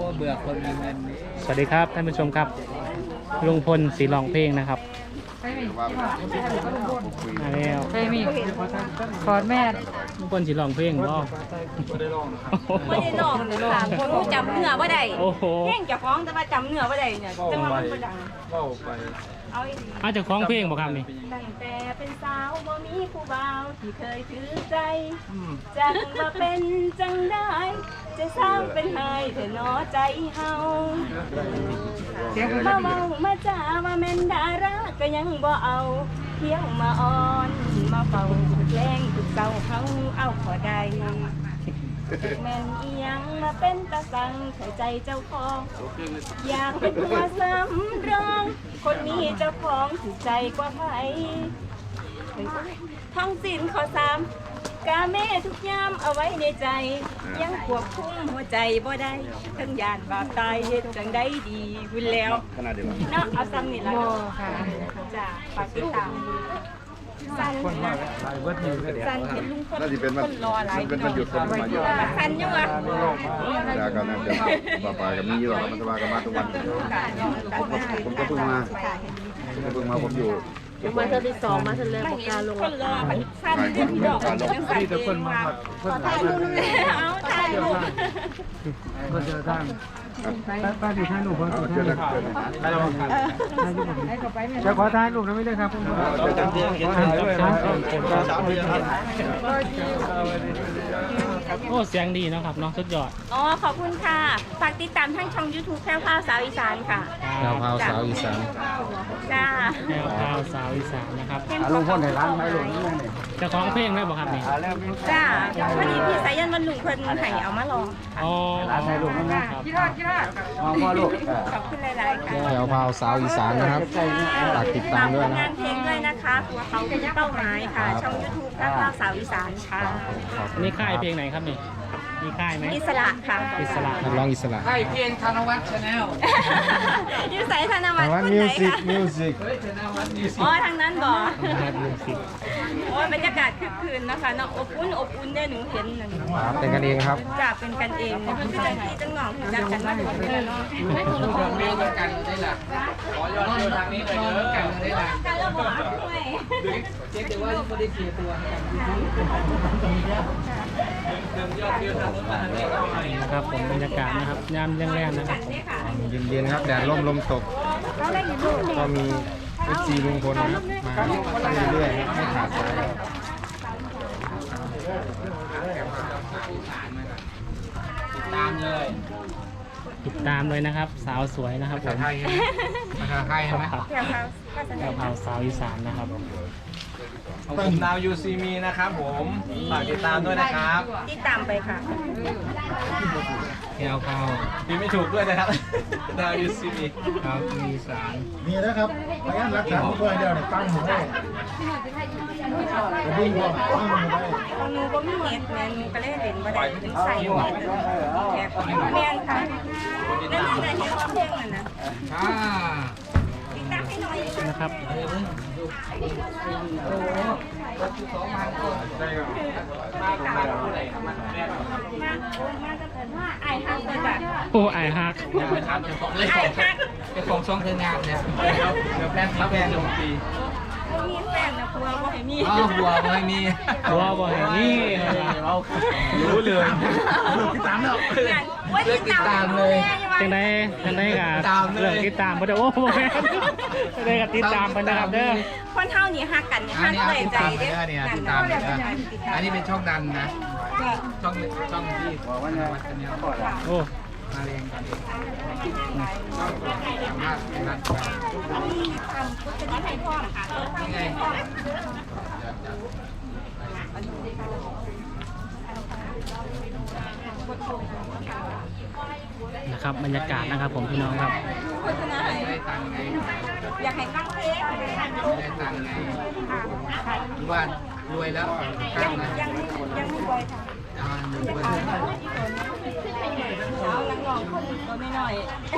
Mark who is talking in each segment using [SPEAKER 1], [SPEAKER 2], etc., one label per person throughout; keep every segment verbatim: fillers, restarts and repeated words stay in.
[SPEAKER 1] เบื่อคนมีเงินนี่
[SPEAKER 2] สวัสดีครับท่านผู้ชมครับลุงพลสีร้องเพลงนะครับมาแล้ว
[SPEAKER 3] เคยมีขอดแม่
[SPEAKER 2] ลุงพลสีร้องเพลงบ่
[SPEAKER 4] ไม่ได้ลองค่ะคนรู้จำเนื้อว่าใด
[SPEAKER 2] โอ้โห
[SPEAKER 4] เพลงจะฟ้องแต่ว่าจำเนื้อว่าใดเนี่ยจังหวะมันบ่ดัง
[SPEAKER 1] เข้าไป
[SPEAKER 4] เอาอีก
[SPEAKER 2] อาจจะคล้องเพลงบ่ครับนี่
[SPEAKER 4] ตั้งแต่เป็นสาวบ่มีผู้บ่าวที่เคยถือใจจังว่าเป็นจังได้จะสร้างเป็นไห้เถอะเนาะใจเฮามาเมามาจ้ามาแม่นดาราก็ยังบ่เอาเที่ยวมาอ่อนมาเป่าแกล้งทุกเศร้าเฮาเอาขอใดแม่นอีหยังมาเป็นตาสังเข้าใจเจ้าของอยากเป็นตัวสำรองคนมีเจ้าของถูกใจกว่าใครท้องสิ้นขอสามกาแม่ทุกยามเอาไว้ในใจ ยังควบคุมหัวใจบ่ได้ทั้งยานบาปตายเฮ็ดจังได้ดีบุญแล้วขนาดเดียวเนาะเอาซ้ำนี่ละค่ะจ้าฝากติดตามสั้นนะสั้นเห็นลุงคนคนรอหลายเป็นวันหยุดคนมาเยอะสั้นอยู่อ่ะ
[SPEAKER 5] ยากันนะเดี๋ยวป้าปากับนี่หรอกมันจะมากันมาทุกวันผมก็เพิ่งมาผมก็เพิ่งมาผมอยู่
[SPEAKER 3] มาเธอที่สองมาเธอเลยบอกการลง
[SPEAKER 4] คนรอสั้นเรื่องที่ดอกยังสั้นเองว่าถ่ายรูปเอาถ่ายรูป
[SPEAKER 1] ก็เจอท่านป้าดีท่านหนูพอดี
[SPEAKER 5] เจอ
[SPEAKER 1] ท่าน
[SPEAKER 5] แล้วเจอแล้ว
[SPEAKER 1] จะขอถ่ายรูปนะไม่ได้ครับผมขอถ่ายด้วยนะสามเดือน
[SPEAKER 2] โอ้เสียงดีเนาะครับเนาะสุดยอด
[SPEAKER 4] อ๋อขอบคุณค่ะฝากติดตามทั้งช่อง YouTube แพรวพราวสาวอีสานค่ะ
[SPEAKER 5] ดาวพาวสาวอีสาน
[SPEAKER 4] จ้า
[SPEAKER 2] แนวข่าวสาวอีสานนะครับ
[SPEAKER 1] ลุงพ่นในร้านไหมลุงนี่ไง
[SPEAKER 2] เจะคล้าของเพลงได้บ่ครับนี่
[SPEAKER 4] จ้าพอดีพี่สายันวันลุงเพิ่นให้เอามาลอง
[SPEAKER 2] อ๋อ
[SPEAKER 1] ถ่ายรูปนั่นนะ
[SPEAKER 2] ครับ
[SPEAKER 1] มองพ่อลูก
[SPEAKER 4] ขอบคุณหลายๆค่ะ
[SPEAKER 5] ดาวพาวสาวอีสานนะครับฝากติดตามด้วย
[SPEAKER 4] ฝกผล
[SPEAKER 5] นะ
[SPEAKER 4] งานเพลงด้วยนะคะตัวเขาเป็นเป้าหมายค่ะ ช่อง YouTube แพรวพราวสาวอีสานค่ะ
[SPEAKER 2] นี่ค่ายเพลงไหนครับนี่มีค่ายไหม
[SPEAKER 4] อิสระค่ะ
[SPEAKER 2] อิสระ
[SPEAKER 5] นักร้องอิสระ
[SPEAKER 1] ใช่เพียงธนวัฒน์ชาแนล
[SPEAKER 4] อยู่ใส่ธนวัฒน์
[SPEAKER 5] ว่า
[SPEAKER 4] คน
[SPEAKER 5] มิ
[SPEAKER 4] ไห
[SPEAKER 5] วน สิก
[SPEAKER 4] คะ
[SPEAKER 5] มิวสิก
[SPEAKER 1] เฮ้ยธนวัฒน์นี่สิ
[SPEAKER 4] อ๋อทางนั้นบ่
[SPEAKER 2] นะครับมิวสิก
[SPEAKER 4] โอ้ยบรรยากาศคึกคืนนะคะเนาะอบอุ่นอบอุ่นได้หนูเห็นนั่น
[SPEAKER 5] ครับเป็นกันเองครับ
[SPEAKER 4] จ้าเป็นกันเองเนี่ยคือจังที่จังหนองจังกันมาถึงเลยเนาะ
[SPEAKER 1] เรียนกันได้ละขอยอดเร็วทางนี้เลยเด้อกันได้ละ
[SPEAKER 4] การระบาดด้วย
[SPEAKER 1] เช็คดูว่าไม่ได้เสียตัวเติมยอดเยอะทางนู้นมาทางนี้ก็ไม่
[SPEAKER 2] นะครับผมบรรยากาศนะครับยามแรงๆนะครับ
[SPEAKER 5] เย็นๆครับแดดร่มลมตกก็มีเอฟซีลุงพลนะครับมาเรื่อยๆไม่ขาดสาย
[SPEAKER 1] ตามเลย
[SPEAKER 2] ติดตามเลยนะครับ สาวสวยนะครับผม
[SPEAKER 1] ภาษาไทยใช่ไหม
[SPEAKER 2] ครับ
[SPEAKER 4] แถวเขาภาษา
[SPEAKER 2] แนวข่าวสาวอีสานนะครับ
[SPEAKER 6] ของผมนาวยูซีมีนะครับผมฝากติดตามด้วยนะครับ
[SPEAKER 4] ที่ตามไปค่ะ
[SPEAKER 2] แนวข่าว
[SPEAKER 6] มีไม่ถูกด้วยนะครับ นาวยูซีมี
[SPEAKER 2] ข่าวอีสาน
[SPEAKER 5] มีนะครับพยายามรักษาผู้ป่วยเดียวเนี่ยตั้งหัวได้ดิ้งหัวตั้งหัวได้
[SPEAKER 4] ของหนูก็มีเน็ตแม่หนูก็เลยเล่นบ่ได้ถึงใส่เน็ตแคบแม่นค่ะนั่นคือแต่ที่เขาเพลงนั่นนะ
[SPEAKER 1] อ่า
[SPEAKER 4] ติดตามให้หน่อย
[SPEAKER 2] นะครับ
[SPEAKER 4] มามามาจะเกิดว่าไอ้ฮักเลยจ้ะ
[SPEAKER 2] โอ้ไอายฮัก
[SPEAKER 1] ครับเดี๋ยวของเลย
[SPEAKER 4] ไอ้ฮัก
[SPEAKER 1] เจ้าของช่องเธองานเนี่ยเดี๋ยวแฟนครับแฟนลงปี
[SPEAKER 4] บ่มีแฟนนะกลัวบ่ให้มี
[SPEAKER 1] อ้าวบัวไม่มี
[SPEAKER 2] ตัวบ่อยนี่
[SPEAKER 6] รู้เลย
[SPEAKER 1] ติดตามแล้ว
[SPEAKER 4] เลิกติดตามเลย
[SPEAKER 2] จังได้จังได้กับ
[SPEAKER 1] ตามเลย
[SPEAKER 2] เรื่องติดตามเพิ่นเด้อโอ้โหแม่นจังได้กับติดตามเพิ่นนะครับเด้อ
[SPEAKER 4] คนเท่านี้ฮักกันเนี่ยฮักเลยใจเด้อ
[SPEAKER 1] เนี่ยติดตามเลยนะอันนี้เป็นช่องดันนะ ช่องช่องที่วัดกันเนี่ยก่อน
[SPEAKER 2] โอ้
[SPEAKER 1] มาเรียนกันช่องสามารถนัดกัน
[SPEAKER 4] ทำพุทธนิให้พ่อค่ะ
[SPEAKER 1] ยังไง
[SPEAKER 2] นะครับบรรยากาศนะครับผมพี่น้องครับ
[SPEAKER 4] โฆษณาให้
[SPEAKER 1] ได้ตังค์ไง
[SPEAKER 4] อยากให้ตั้งเพลง
[SPEAKER 1] ได้ตังค์ไงหรือว่ารวยแล้ว
[SPEAKER 4] ยั
[SPEAKER 1] ตั้
[SPEAKER 4] ง
[SPEAKER 1] งนะ
[SPEAKER 4] ยังยังไม่บ่อยค่ะ
[SPEAKER 1] อ่าหนึ่งเปอร์
[SPEAKER 4] เอา
[SPEAKER 1] เซ็นต์
[SPEAKER 4] นังลองคนตัวไม่น้อย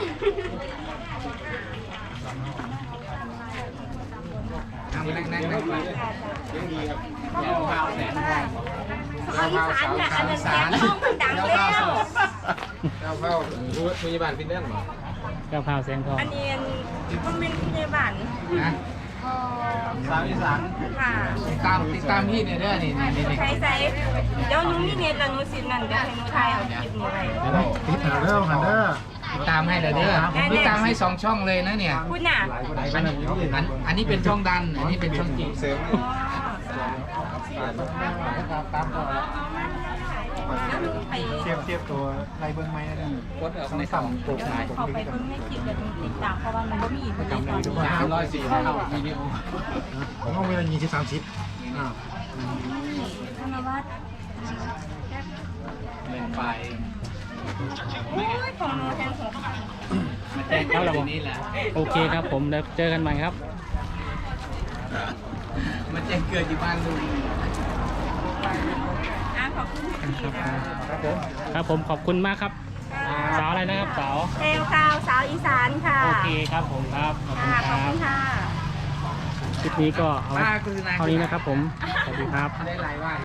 [SPEAKER 1] นั่งนั่งนั่งนั่งไป
[SPEAKER 4] เอาอีสานค่ะอันนั้นแกงห้องมันดังแล้ว
[SPEAKER 1] เ
[SPEAKER 6] เอาเข้าดูพยาบาลฟินแลนด์เหรอก
[SPEAKER 2] ะเพราแสงทอง
[SPEAKER 4] อันนี้มันเป็นพยาบาล
[SPEAKER 7] นะ
[SPEAKER 6] สาวอีสาน
[SPEAKER 4] ค่ะ
[SPEAKER 7] ติดตามติดตามพี่เนี่ยเด้อนี่นี่นี่
[SPEAKER 4] ใช้ใช้เดี๋ยวหนูมีเน็ตแล้วหนูสินั่นเดี๋ยวให้หนูถ่ายเอาคลิปนี้ไว้
[SPEAKER 1] ติดหาเรื่องหันเด้อ
[SPEAKER 7] ติดตามให้เลยเด้อติดตามให้สองช่องเลยนะเนี่ย
[SPEAKER 4] คุณน่ะ
[SPEAKER 7] อันอันอันนี้เป็นช่องดันอันนี้เป็นช่องจริง
[SPEAKER 6] เสริม
[SPEAKER 4] แล้วหนูไป
[SPEAKER 1] เทียบเทียบตัวไรเบิ้งไหมนะ
[SPEAKER 7] กดเอาในสั่งโปรไฟล์
[SPEAKER 4] เขาไปเพิ่งไม่คลิปแล้วหนูติดตามเพราะว่ามันก็มีอยู่ในตอนนี้
[SPEAKER 7] สามร้อยสี่เท่าวิดีโอ
[SPEAKER 1] ผมต้องเวลายี่สิบสามสิบอ่า
[SPEAKER 4] ธนวัฒน์
[SPEAKER 7] เป็นไฟล์
[SPEAKER 4] โอ้ยของหนูแทนหก
[SPEAKER 7] มาแจ้งเกิดที่นี่แหละ
[SPEAKER 2] โอเคครับผมเดี๋ยวเจอกันใหม่ครับ
[SPEAKER 7] มาแจ้งเกิดอยู่บ้านลุง
[SPEAKER 4] อ่ะขอบคุณพี่ค่ะ
[SPEAKER 2] ครับผมขอบคุณมากครับ สาวอะไรนะครับสาว
[SPEAKER 4] เทลคาวสาวอีสานค่ะ
[SPEAKER 2] โอเคครับผมครับขอบคุณ
[SPEAKER 4] ค่ะ
[SPEAKER 2] ค
[SPEAKER 4] ขอบ
[SPEAKER 2] รั
[SPEAKER 4] คุ
[SPEAKER 2] บ
[SPEAKER 4] ณค่ะ
[SPEAKER 2] คลิปนี้ก็เอา
[SPEAKER 7] ป้าคือนา
[SPEAKER 2] เท่านี้นะครับผมสวัสดีครับ
[SPEAKER 7] ได้หลายว่า